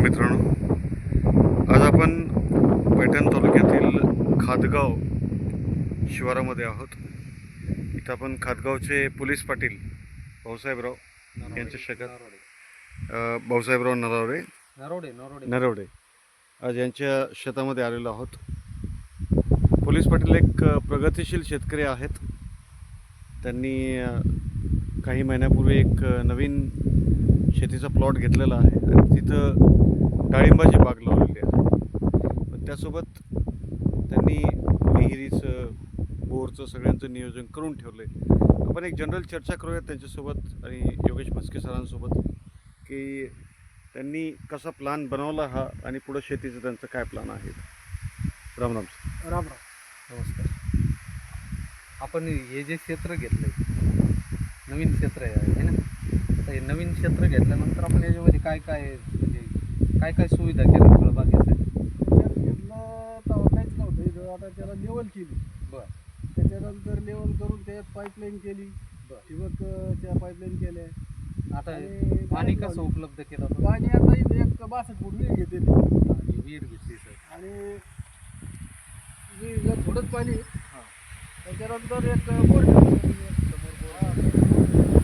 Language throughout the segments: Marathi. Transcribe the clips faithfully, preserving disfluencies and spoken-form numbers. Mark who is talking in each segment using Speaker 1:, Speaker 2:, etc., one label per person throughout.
Speaker 1: मित्रांनो, आज आपण पैठण तालुक्यातील खादगाव शिवारामध्ये आहोत. इथं आपण खादगावचे पोलीस पाटील भाऊसाहेबराव यांच्या शेतात भाऊसाहेबराव नरावरे
Speaker 2: नरोडे नरोडे
Speaker 1: नरवडे आज यांच्या शेतामध्ये आलेलो आहोत. पोलीस पाटील एक प्रगतिशील शेतकरी आहेत. त्यांनी काही महिन्यापूर्वी एक नवीन शेतीचा प्लॉट घेतलेला आहे आणि तिथं डाळिंबाची बाग लावलेली आहे. पण त्यासोबत त्यांनी विहिरीचं बोरचं सगळ्यांचं नियोजन करून ठेवलं आहे. आपण एक जनरल चर्चा करूयात त्यांच्यासोबत आणि योगेश म्हस्के सरांसोबत की त्यांनी कसा प्लॅन बनवला हा आणि पुढं शेतीचं त्यांचं काय प्लॅन आहे. राम राम
Speaker 2: राम राम नमस्कार. आपण हे जे क्षेत्र घेतलं नवीन क्षेत्र आहे है ना, तर हे नवीन क्षेत्र घेतल्यानंतर आपण याच्यामध्ये काय काय म्हणजे काय काय सुविधा केल्या फळबागेसाठी?
Speaker 3: घेतलं तेव्हा काहीच नव्हतं इथं. आता त्याला लेवल केली.
Speaker 2: बरं.
Speaker 3: त्याच्यानंतर लेवल करून त्याच्यात पाईपलाईन केली.
Speaker 2: बरं.
Speaker 3: ठिबकच्या पाईपलाईन केल्या.
Speaker 2: आता
Speaker 3: आणि
Speaker 2: पाणी
Speaker 3: बाहेर
Speaker 2: कसं
Speaker 3: लावली.
Speaker 2: उपलब्ध केलं होतं?
Speaker 3: पाणी आता इथे एक बासष्ट फूट विहीर घेते
Speaker 2: आणि विहीर घेतली सर.
Speaker 3: आणि विहीरला थोडंच पाणी.
Speaker 2: हां.
Speaker 3: त्याच्यानंतर एक बोर ठेवलं समोर बोर.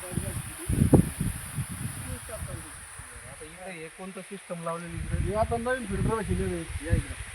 Speaker 2: आता इकडे हे कोणतं सिस्टम लावलेली इकडे?
Speaker 3: हे आता नवीन फिल्टर बसलेलं आहे. या इकडे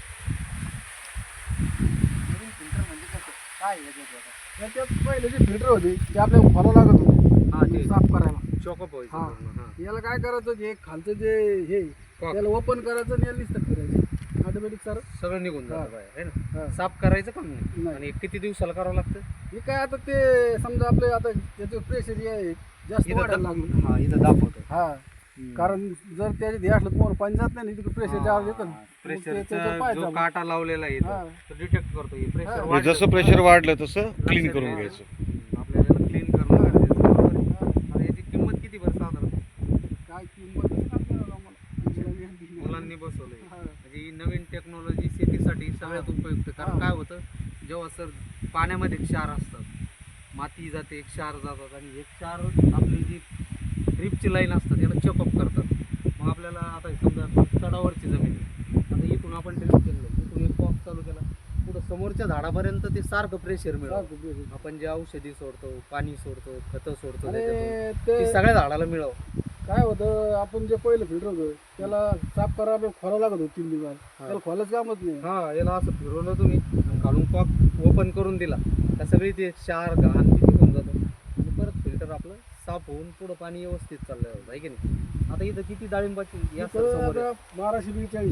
Speaker 2: नवीन फिल्टर म्हणजे कसं काय याच्यात आता?
Speaker 3: त्याच्यात पहिले जे फिल्टर होते ते आपल्याला खोला लागत होते.
Speaker 2: हां, ते
Speaker 3: साफ करायला.
Speaker 2: चॉकअप व्हायचं
Speaker 3: हां.
Speaker 2: पूर्ण. हां.
Speaker 3: याला काय करायचं जे खालचं जे हे
Speaker 2: कॉक.
Speaker 3: त्याला ओपन करायचं आणि याला नुसतं फिरायचं ऑटोमॅटिक सर.
Speaker 2: सगळं निघून
Speaker 3: हां.
Speaker 2: जातं बाहेर है ना.
Speaker 3: हां.
Speaker 2: साफ करायचं काम नाही.
Speaker 3: नाही.
Speaker 2: आणि किती दिवसाला करावं लागतं?
Speaker 3: हे काय आता ते समजा आपले आता त्याचं प्रेशर आहे जास्त
Speaker 2: इथं
Speaker 3: वाढायला
Speaker 2: दाब-
Speaker 3: लागलं.
Speaker 2: हां, इथं दाखवतो.
Speaker 3: हा कारण जर त्याच्यात हे असलं तुम्हाला पाणी जात नाही ना, तिकडे प्रेशर जास्त येतं.
Speaker 2: प्रेशरचा जो काटा लावलेला आहे
Speaker 3: हां.
Speaker 2: इथं, तो डिटेक्ट करतो हे प्रेशर
Speaker 3: हां.
Speaker 1: म्हणजे जसं प्रेशर वाढलं तसं क्लीन करून घ्यायचं.
Speaker 2: आपल्याला क्लीन करणं गरजेचं आहे. बरोबर आहे. आता याची किंमत किती बरं साधारण?
Speaker 3: काय किंमत नाही आपल्याला आम्हाला.
Speaker 2: मुलांनी बसवलंय.
Speaker 3: हा.
Speaker 2: म्हणजे ही नवीन टेक्नॉलॉजी शेतीसाठी सगळ्यात उपयुक्त. कारण
Speaker 3: हां.
Speaker 2: काय होतं, जेव्हा सर पाण्यामध्ये क्षार असतात, माती जाते, क्षार जातात आणि हे क्षार आपली जी ड्रीपची लाईन असतात याला चेकअप करतात. मग आपल्याला आता समजा चढावरची जमीन आहे, आता इथून आपण ड्रीप केलं, इथून एक पॉप चालू केला, पुढं समोरच्या झाडापर्यंत ते सारखं प्रेशर मिळतं.
Speaker 3: सारखं pressure.
Speaker 2: आपण जे औषधी सोडतो, पाणी सोडतो, खतं सोडतो,
Speaker 3: आणि
Speaker 2: त्याच्यातून
Speaker 3: ते
Speaker 2: ते सगळ्या झाडाला मिळव.
Speaker 3: काय होतं आपण जे पहिलं फिल्टर होतं त्याला साफ करा आपल्याला खोला लागत होतं तीन दिवस. त्याला खोलाच कामच नाही.
Speaker 2: हा, याला असं फिरवलं तुम्ही आणि काढून पॉक ओपन करून दिला का सगळी ते क्षार घाण किती होऊन जातं आणि परत फिल्टर आपलं साफ होऊन पुढं पाणी व्यवस्थित चाललं जातं आहे की नाही. आता इथं किती डाळिंबाची या
Speaker 3: इथं
Speaker 2: समोर आहे.
Speaker 3: आता बाराशे बेचाळीस.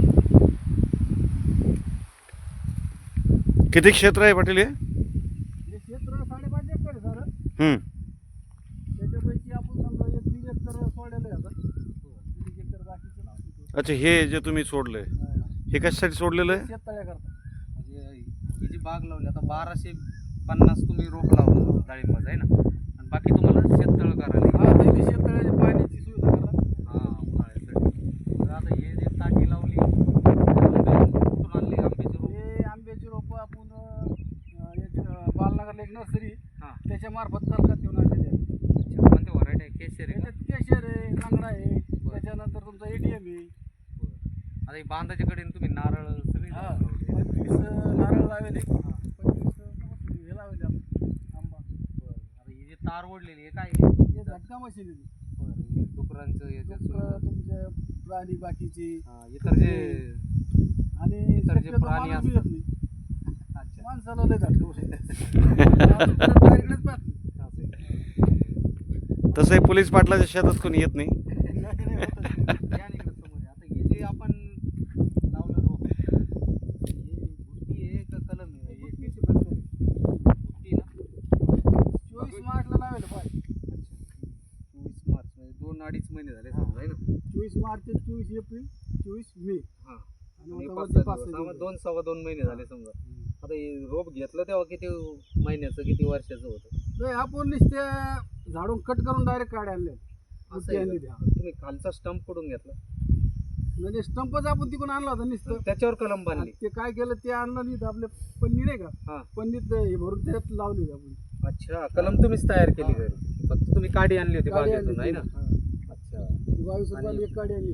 Speaker 1: किती क्षेत्र आहे पाटील हे?
Speaker 3: हे क्षेत्र साडेपाच एकर आहे सर.
Speaker 1: हम्म.
Speaker 3: त्याच्यापैकी आपण समजा एक दीड एकर सोडलेलं आहे आता. दीड एकर बाकीचं नाव तिथं.
Speaker 1: अच्छा, हे जे तुम्ही सोडलंय
Speaker 3: हा.
Speaker 1: हे कशासाठी सोडलेलं आहे?
Speaker 3: शेततळ्याकरता.
Speaker 2: म्हणजे ही जी बाग लावली आता बाराशे पन्नास तुम्ही रोप लावलं डाळिंबाचं आहे ना, आणि बाकी तुम्हाला शेततळ करायला
Speaker 3: हा तर इथे शेततळ्याची पाण्याची सुविधा करा.
Speaker 2: हा उन्हाळ्यासाठी. तर आता हे जे टाकी लावली कुठून आणली आंब्याची रोप?
Speaker 3: हे आंब्याची रोपं आपण अं, एक अं, बालनगरला एक नर्सरी
Speaker 2: हां.
Speaker 3: त्याच्या मार्फत तलकात घेऊन आणलेली आहे.
Speaker 2: अच्छा, कोणते व्हरायटी आहे? केशर आहे का?
Speaker 3: त्याच्यात केशर आहे, लंगडा आहे, त्याच्यानंतर तुमचा एटीएम आहे.
Speaker 2: बरं. आता ही बांधाच्या कडेने तुम्ही नारळ सगळी
Speaker 3: हा
Speaker 2: झाडं लावली.
Speaker 3: पंचवीस अं, नारळ लावले. पंचवीस अं, हे लावले आपण आंबा.
Speaker 2: बरं. आता ही जी तार ओढलेली आहे काय आहे?
Speaker 3: हे झटका मशीन आहे.
Speaker 2: बरं. हे डुकरांचं याच्यात
Speaker 3: डुकरं, तुमचे प्राणी बाकीचे
Speaker 2: हां, इतर जे
Speaker 3: आणि
Speaker 2: इतर जे
Speaker 3: शक्यतो
Speaker 2: प्राणी
Speaker 3: माणूस बी
Speaker 2: असतात.
Speaker 3: येत नाही.
Speaker 2: अच्छा.
Speaker 3: माणसाला लय झटका बसतो. डायरेक्टच पाहत नाही.
Speaker 2: असं आहे.
Speaker 1: तसंही पोलीस पाटलाच्या शेतात कोणी येत नाही.
Speaker 3: नाही, नाही, होतच नाही.
Speaker 2: या ना इकडं समोर आहे. आता हे जे आपण लावलं रोप, हे बुट्टी आहे का कलम आहे? हे
Speaker 3: बुट्टीची पद्धत आहे.
Speaker 2: बुट्टी ना?
Speaker 3: चोवीस मार्चला लावेल पाय.
Speaker 2: चोवीस मार्च म्हणजे दोन अडीच महिने झाले समजा आहे ना.
Speaker 3: चोवीस मार्च ते चोवीस एप्रिल चोवीस मे
Speaker 2: हां.
Speaker 3: आणि
Speaker 2: आणि
Speaker 3: आता
Speaker 2: पाच
Speaker 3: वरती
Speaker 2: सहा
Speaker 3: पाच
Speaker 2: दिवस.
Speaker 3: सहा
Speaker 2: हा, मग
Speaker 3: दिवस.
Speaker 2: दोन सव्वा दोन महिने झाले समजा. आता हे रोप घेतलं तेव्हा किती महिन्याचं किती वर्षाचं होतं?
Speaker 3: नाही, आपण नुसते झाडून कट करून डायरेक्ट काढे आणले.
Speaker 2: असं
Speaker 3: बुट्टी
Speaker 2: आहे
Speaker 3: आणली
Speaker 2: का?
Speaker 3: त्या.
Speaker 2: तुम्ही खालचा स्टंप कडून घेतला,
Speaker 3: म्हणजे स्टंपच आपण तिकडून आणला होता नुसतं.
Speaker 2: त्याच्यावर कलम बांधली.
Speaker 3: ते काय केलं ते आणलं नाही तर आपले पन्नी नाही का
Speaker 2: हा.
Speaker 3: पन्नीत हे भरून त्यात लावली आपण.
Speaker 2: अच्छा, कलम तुम्हीच तयार केली घरी? फक्त तुम्ही काडी आणली होती
Speaker 3: काडी आणली
Speaker 2: बागेतून आहे ना?
Speaker 3: होती. हा.
Speaker 2: अच्छा.
Speaker 3: बावीस रुपयाला एक काडी आणली होती.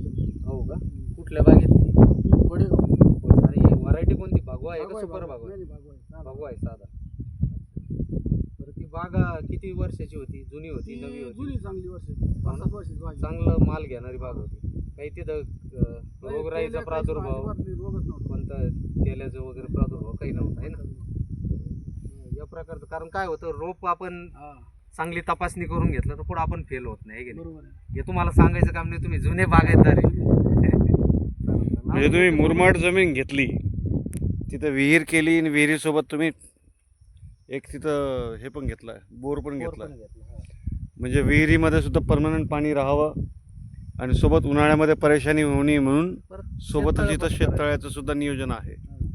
Speaker 2: हो का? कुठल्या बागेतली?
Speaker 3: वडेगाव.
Speaker 2: आणि व्हरायटी कोणती? भगवा आहे का
Speaker 3: भागवा आहे,
Speaker 2: सुपर
Speaker 3: भागवा.
Speaker 2: भगवा?
Speaker 3: नाही, नाही, भागवा आहे. साधा.
Speaker 2: भगवा आहे साधा. बरं ती बाग किती वर्षाची होती? जुनी होती,
Speaker 3: ती
Speaker 2: नवी होती?
Speaker 3: जुनी चांगली वर्ष पाच सात वर्षाची बाग आहे.
Speaker 2: चांगलं माल घेणारी बाग होती. काही तिथं अं,
Speaker 3: नाही,
Speaker 2: रोगराईचा
Speaker 3: तेल्या काहीच
Speaker 2: प्रादुर्भाव,
Speaker 3: अजिबात नाही, रोगच नव्हता.
Speaker 2: कोणता तेलाचं वगैरे प्रादुर्भाव काही नव्हता आहे ना या प्रकारचं. कारण काय होतं, रोप आपण
Speaker 3: हा,
Speaker 2: चांगली तपासणी करून घेतलं तर पुढे आपण फेल होत नाही, है की नाही?
Speaker 3: बरोबर आहे.
Speaker 2: हे तुम्हाला सांगायचं काम नाही, तुम्ही जुने बागायतदार आहे.
Speaker 1: म्हणजे तुम्ही मुरमाड जमीन घेतली, तिथं विहीर केली आणि विहिरीसोबत तुम्ही एक तिथं हे पण घेतलं, बोर पण
Speaker 2: बोर
Speaker 1: घेतला.
Speaker 2: पण घेतला, हा.
Speaker 1: म्हणजे विहिरीमध्ये सुद्धा परमनंट पाणी राहावं आणि सोबत उन्हाळ्यामध्ये परेशानी होऊ नये म्हणून
Speaker 2: परत
Speaker 1: सोबतच
Speaker 2: शेततळं
Speaker 1: इथं
Speaker 2: पण
Speaker 1: शेततळ्याचं सुद्धा नियोजन आहे.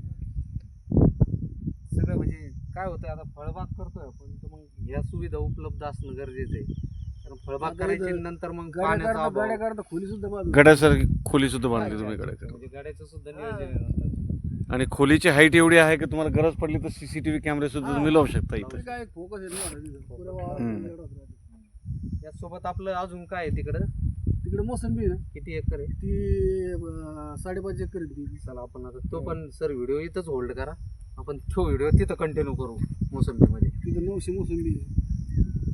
Speaker 2: सगळं म्हणजे काय होतं, आता फळबाग करतोय आपण तर मग ह्या सुविधा उपलब्ध असणं गरजेचं आहे. कारण फळबाग
Speaker 3: आता
Speaker 2: करायची
Speaker 3: इथं
Speaker 2: नंतर मग
Speaker 3: गाड्या
Speaker 2: पाण्याचा
Speaker 3: करता
Speaker 2: अभाव.
Speaker 3: गाड्या करता खोली सुद्धा बाजू.
Speaker 1: गड्यासारखी खोली सुद्धा बांधली तुम्ही
Speaker 2: अच्छा,
Speaker 1: गड्याकडे.
Speaker 2: म्हणजे गाड्याचं सुद्धा नियोजन आहे नंतर.
Speaker 1: आणि खोलीची हाईट एवढी आहे की तुम्हाला गरज पडली तर सीसीटीव्ही कॅमेरे सुद्धा तुम्ही लावू शकता इथं.
Speaker 3: काय फोकस आहे ना तिथं. पुऱ्या वावरात
Speaker 1: हम्म.
Speaker 3: एवढाच राहतो.
Speaker 2: यासोबत आपलं अजून काय आहे तिकडं?
Speaker 3: तिकडे मोसंबी आहे ना,
Speaker 2: किती एकर आहे?
Speaker 3: ती अं, साडेपाच एकर आहे ती.
Speaker 2: चला आपण आता तो पण सर व्हिडिओ इथंच होल्ड करा, आपण तो व्हिडिओ तिथं कंटिन्यू करू मोसंबीमध्ये.
Speaker 3: तिथं नऊशे मोसंबी आहे.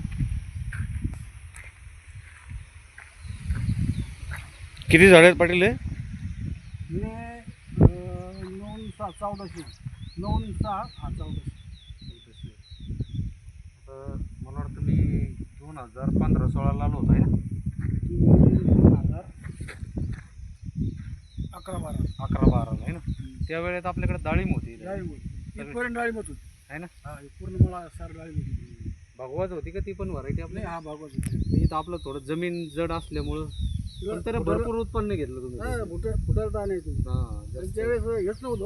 Speaker 1: किती झाड आहेत पाटील हे?
Speaker 3: हे अं, नऊ सहा चौदाशे नऊ आणि सहा हा चौदाशे.
Speaker 2: तर मला वाटतं मी दोन हजार पंधरा सोळाला आलो होतो आहे ना,
Speaker 3: ती दोन हजार अकरा बारा
Speaker 2: अकरा बाराला आहे ना. त्यावेळेत आपल्याकडे डाळिंब होती,
Speaker 3: डाळिंब होती. इथपर्यंत डाळिंब होती.
Speaker 2: आहे ना.
Speaker 3: हा, हे पूर्ण मला सार डाळिंब होती.
Speaker 2: भगवाच होती का ती पण व्हरायटी
Speaker 3: नाही,
Speaker 2: आपल्या?
Speaker 3: हा भागवत होती.
Speaker 2: इथं आपलं थोडं जमीन जड असल्यामुळं पण तरी भरपूर उत्पन्न घेतलं तुम्ही.
Speaker 3: हा, फुटा फुटायला तर आणायचं.
Speaker 2: हा
Speaker 3: तर
Speaker 2: जास्त.
Speaker 3: त्यावेळेस हेच नव्हतं.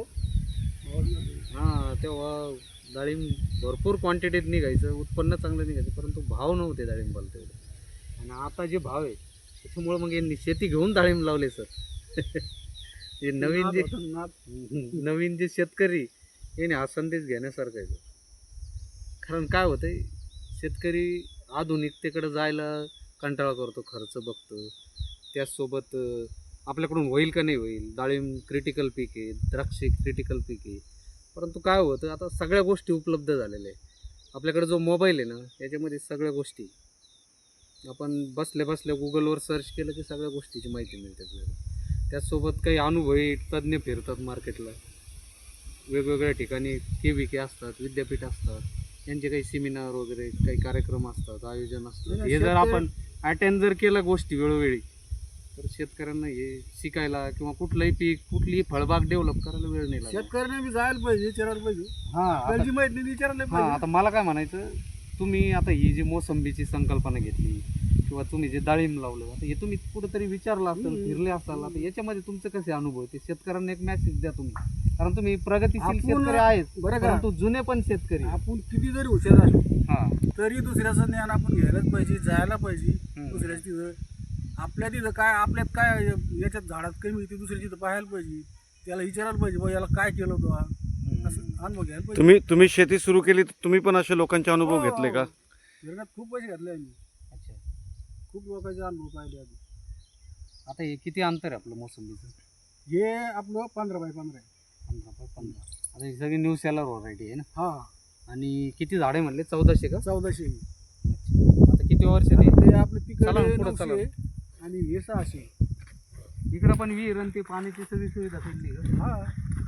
Speaker 2: हा तेव्हा डाळिंब भरपूर क्वांटिटीत निघायचं, उत्पन्न चांगलं निघायचं, परंतु भाव नव्हते डाळिंबाला तेवढे. आणि आता जे भाव आहे त्याच्यामुळे मग यांनी शेती घेऊन डाळिंब लावले सर. हे नवीन जे
Speaker 3: नाद
Speaker 2: नवीन जे शेतकरी याने हा संदेश घेण्यासारखा आहे. कारण काय होतंय, शेतकरी आधुनिकतेकडे जायला कंटाळा करतो, खर्च बघतो. त्याचसोबत अं, आपल्याकडून होईल का नाही होईल. डाळिंब क्रिटिकल पीक आहे, द्राक्ष क्रिटिकल पीक आहे, परंतु काय होतं आता सगळ्या गोष्टी उपलब्ध झालेल्या आहे. आपल्याकडे जो मोबाईल आहे ना याच्यामध्ये सगळ्या गोष्टी आपण बसल्या बसल्या गुगलवर सर्च केलं की सगळ्या गोष्टीची माहिती मिळते आपल्याला. त्याचसोबत काही अनुभवी तज्ज्ञ फिरतात मार्केटला, वेगवेगळ्या ठिकाणी के व्ही के असतात, विद्यापीठ असतात, यांचे काही सेमिनार वगैरे काही कार्यक्रम असतात, आयोजन असतात. हे जर आपण अटेंड जर केलं गोष्टी वेळोवेळी तर शेतकऱ्यांना हे शिकायला किंवा कुठलंही पीक कुठलीही फळबाग डेव्हलप करायला वेळ नाही लागत.
Speaker 3: शेतकऱ्यांना बी जायला पाहिजे, विचारायला पाहिजे.
Speaker 2: हा आता-
Speaker 3: आपल्याला जी माहिती नाही ती विचारायला
Speaker 2: हा
Speaker 3: पाहिजे.
Speaker 2: आता मला काय म्हणायचं, तुम्ही आता ही जी मोसंबीची संकल्पना घेतली किंवा तुम्ही जे डाळिंब लावलं, आता हे तुम्ही कुठेतरी विचारलं असेल,
Speaker 3: हम्म.
Speaker 2: फिरले असाल, आता याच्यामध्ये तुमचे कसे अनुभव आहेत ते शेतकऱ्यांना एक मेसेज द्या तुम्ही. कारण तुम्ही प्रगतीशील
Speaker 3: आपण-
Speaker 2: शेतकरी आहेत,
Speaker 3: बरं का?
Speaker 2: परंतु जुने पण शेतकरी आहेत.
Speaker 3: आपण किती जरी हुशार असलो
Speaker 2: हा
Speaker 3: तरी दुसऱ्याचं ज्ञान आपण घ्यायलाच पाहिजे, जायला पाहिजे.
Speaker 2: हम्म.
Speaker 3: दुसऱ्याच्या तिथं आपल्या तिथं काय, आपल्यात काय याच्यात झाडात कमी ते दुसऱ्या तिथं पाहायला पाहिजे, त्याला विचारायला पाहिजे बा याला काय केलं होतं हा? असं अनुभव घ्यायला पाहिजे.
Speaker 1: तुम्ही तुम्ही शेती सुरू केली तर तुम्ही पण असे लोकांचे अनुभव
Speaker 3: हो,
Speaker 1: घेतले का?
Speaker 3: गिरणात खूप पैसे घातले आम्ही,
Speaker 2: अच्छा.
Speaker 3: खूप लोकांचे अनुभव पाहिले आधी.
Speaker 2: आता हे किती अंतर आहे आपलं मोसंबीचं?
Speaker 3: हे आपलं पंधरा बाय पंधरा आहे.
Speaker 2: पंधरा बाय पंधरा. आता ही सगळी न्यू सेलर व्हरायटी आहे ना.
Speaker 3: हा,
Speaker 2: आणि किती झाडे म्हणले? चौदाशे का?
Speaker 3: चौदाशे.
Speaker 2: आता किती वर्षाने?
Speaker 3: ते आपले
Speaker 2: चला ना,
Speaker 3: तिकडे
Speaker 2: पुढं
Speaker 3: नऊशे
Speaker 2: चला.
Speaker 3: आणि हे सहाशे.
Speaker 2: इकडं पण विहीर आणि ती पाण्याची सगळी सुविधा केली का?
Speaker 3: हा,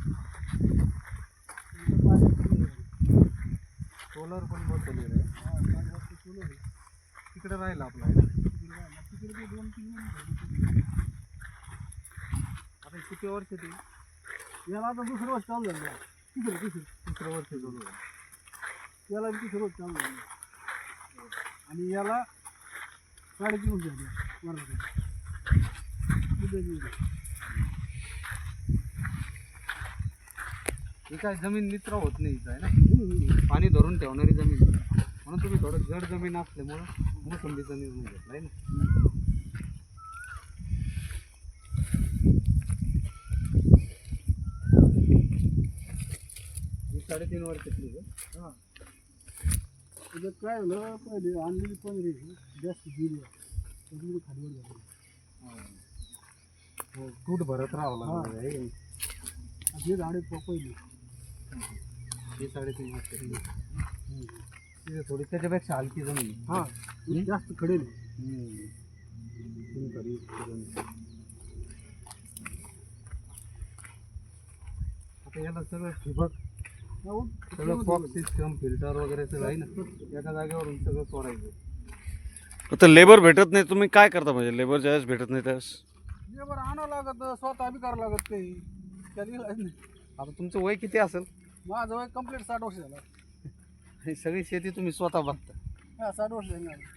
Speaker 2: सोलर पण बसवलेलं आहे.
Speaker 3: हा, पाच वाजता सुरू आहे.
Speaker 2: तिकडे राहिलं आपलं आहे ना.
Speaker 3: तिकडे राहिला. तिकडे ते दोन तीन महिने.
Speaker 2: आता किती वर्ष ते?
Speaker 3: याला आता दुसरं वर्ष चालू झालं. तिसरं तिसरं
Speaker 2: तिसरं वर्ष चालू आहे.
Speaker 3: याला बी तिसरं वर्ष चालू झालं. आणि याला साडेतीन वर्ष झाली वर्षाची.
Speaker 2: ही काय जमीन निचरा होत नाही इथं आहे ना, पाणी धरून ठेवणारी जमीन आहे. म्हणून तुम्ही थोडं जड जमीन असल्यामुळं मोसंबीचा निर्णय घेतला आहे ना. ही साडेतीन वर्षातली का?
Speaker 3: हा, त्याच्यात काय झालं, पहिले आणलेली पंधरा जास्त गेली त्याच्यामुळे खालीवर झाली.
Speaker 2: तूट भरत राहावं
Speaker 3: हा.
Speaker 2: लागलं आहे.
Speaker 3: हे झाडे प- पहिली
Speaker 2: हे साडेतीन वाजता तिथे थोडी त्याच्यापेक्षा हलकी जमीन आहे.
Speaker 3: हा
Speaker 2: हम्म?
Speaker 3: जास्त खडेल
Speaker 2: हम्म. तुम्ही तरी करून. आता याला सगळं ठिबक सगळं पॉप सिस्टम फिल्टर वगैरे सगळं आहे ना एका जागेवरून सगळं सोडायचं.
Speaker 1: आता लेबर भेटत नाही, तुम्ही काय करता म्हणजे लेबर ज्यावेळेस भेटत नाही त्यावेळेस?
Speaker 3: लेबर आणावं लागत स्वतः बी करावं लागत काही त्याला इलाज नाही.
Speaker 2: आता तुमचं वय किती असेल
Speaker 3: माझं वय कम्प्लीट साठ वर्ष झालं.
Speaker 2: आणि सगळी शेती तुम्ही स्वतः बघता.
Speaker 3: हा साठ वर्ष झाली मला.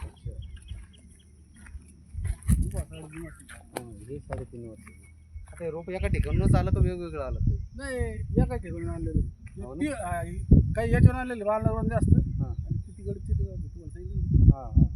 Speaker 2: हं, हे साडेतीन वर्ष. आता हे रोप एका ठिकाणूनच आलं का वेगवेगळं आलं ते?
Speaker 3: नाही एका ठिकाणी आणलेले
Speaker 2: हो ना?
Speaker 3: ती- हा, काही याच्यावर आणलेले बालावर जास्त
Speaker 2: हां
Speaker 3: आणि किती गडचे ते गावचे तुम्हाला सांगितलं.
Speaker 2: हां हां.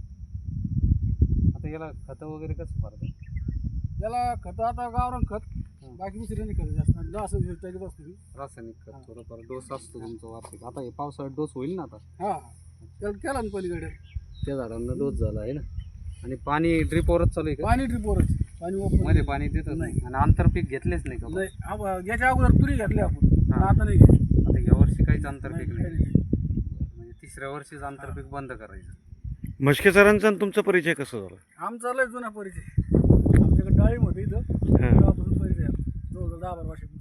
Speaker 2: आता याला खतं वगैरे कसं मारतात?
Speaker 3: त्याला खत आता गावरान खत बाकी दुसरे नाही खत जास्त आणि असं हे त्याच्यात असतं ते.
Speaker 2: रासायनिक खत थोडंफार डोस असतो तुमचा वार्षिक. आता हे पावसाळ्यात डोस होईल ना आता
Speaker 3: हा त्याला केला ना पलीकडे
Speaker 2: त्या झाडांना डोस झाला आहे ना. आणि पाणी ड्रिपवरच चालू आहे का?
Speaker 3: पाणी ट्रिपवरच पाणी वापरलं
Speaker 2: मध्ये पाणी देतच नाही आणि आंतरपीक घेतलेच नाही का?
Speaker 3: नाही आप- याच्या अगोदर तुरी घेतली आपण पण
Speaker 2: हा.
Speaker 3: आता नाही घेतली.
Speaker 2: आता या वर्षी काहीच आंतरपीक
Speaker 3: नाही,
Speaker 2: नाही.
Speaker 3: काही नाही.
Speaker 2: म्हणजे तिसऱ्या वर्षीच आंतरपीक बंद करायचं.
Speaker 1: म्हस्के सरांचा आणि तुमचा परिचय कसा झाला?
Speaker 3: आमचा लय जुना परिचय. आमच्याकडे डाळिंब होते इथं
Speaker 1: हां.
Speaker 3: तेव्हापासून परिचय आहे. जवळजवळ दहा बारा वर्षापासून.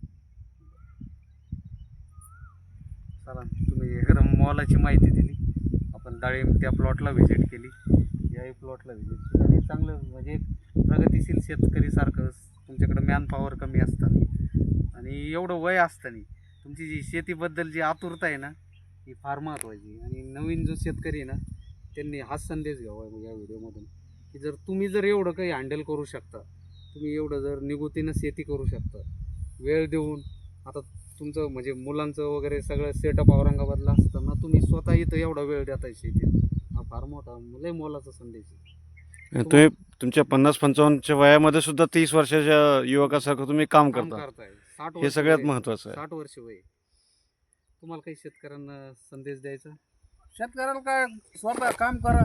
Speaker 2: चला तुम्ही एकदम मोलाची माहिती दिली. आपण डाळिंब त्या प्लॉटला व्हिजिट केली, याही प्लॉटला व्हिजिट केली आणि चांगलं म्हणजे एक प्रगतिशील शेतकरीसारखं तुमच्याकडे मॅन पॉवर कमी असताना आणि एवढं वय असताना तुमची जी शेतीबद्दल जी आतुरता आहे ना ही फार महत्त्वाची. आणि नवीन जो शेतकरी आहे ना त्यांनी हाच संदेश घ्यावा या व्हिडिओमधून की जर तुम्ही जर एवढं काही हँडल करू शकता, तुम्ही एवढं जर निगुतीनं शेती करू शकता वेळ देऊन. आता तुमचं म्हणजे मुलांचं वगैरे सगळं सेटअप औरंगाबादला असताना तुम्ही स्वतः इथं एवढा वेळ देताय शेतीत, हा फार मोठा लय मोलाचा संदेश आहे.
Speaker 1: तुम्ही तुमच्या पन्नास पंचावन्नच्या वयामध्ये सुद्धा तीस वर्षाच्या युवकासारखं तुम्ही काम
Speaker 2: काम
Speaker 1: करता,
Speaker 2: करताय. साठ
Speaker 1: हे
Speaker 2: वर्ष
Speaker 1: सगळ्यात
Speaker 2: वय.
Speaker 1: महत्त्वाचं आहे.
Speaker 2: साठ वर्ष वय. तुम्हाला काही शेतकऱ्यांना संदेश द्यायचा?
Speaker 3: शेतकऱ्याला काय स्वतः काम करा.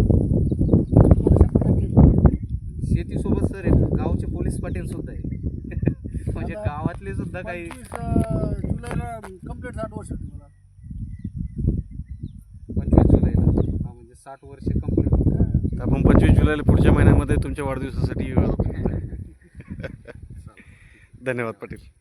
Speaker 2: शेतीसोबत सर एक गावचे पोलीस पाटील सुद्धा आहे म्हणजे
Speaker 3: आता
Speaker 2: गावातले सुद्धा काही.
Speaker 3: पंचवीस अं, जुलैला कम्प्लीट साठ वर्ष होती मला.
Speaker 2: पंचवीस जुलैला हा म्हणजे साठ वर्ष कंप्लीट होत.
Speaker 1: तर आपण पंचवीस जुलैला पुढच्या महिन्यामध्ये तुमच्या वाढदिवसासाठी येऊ. धन्यवाद पाटील.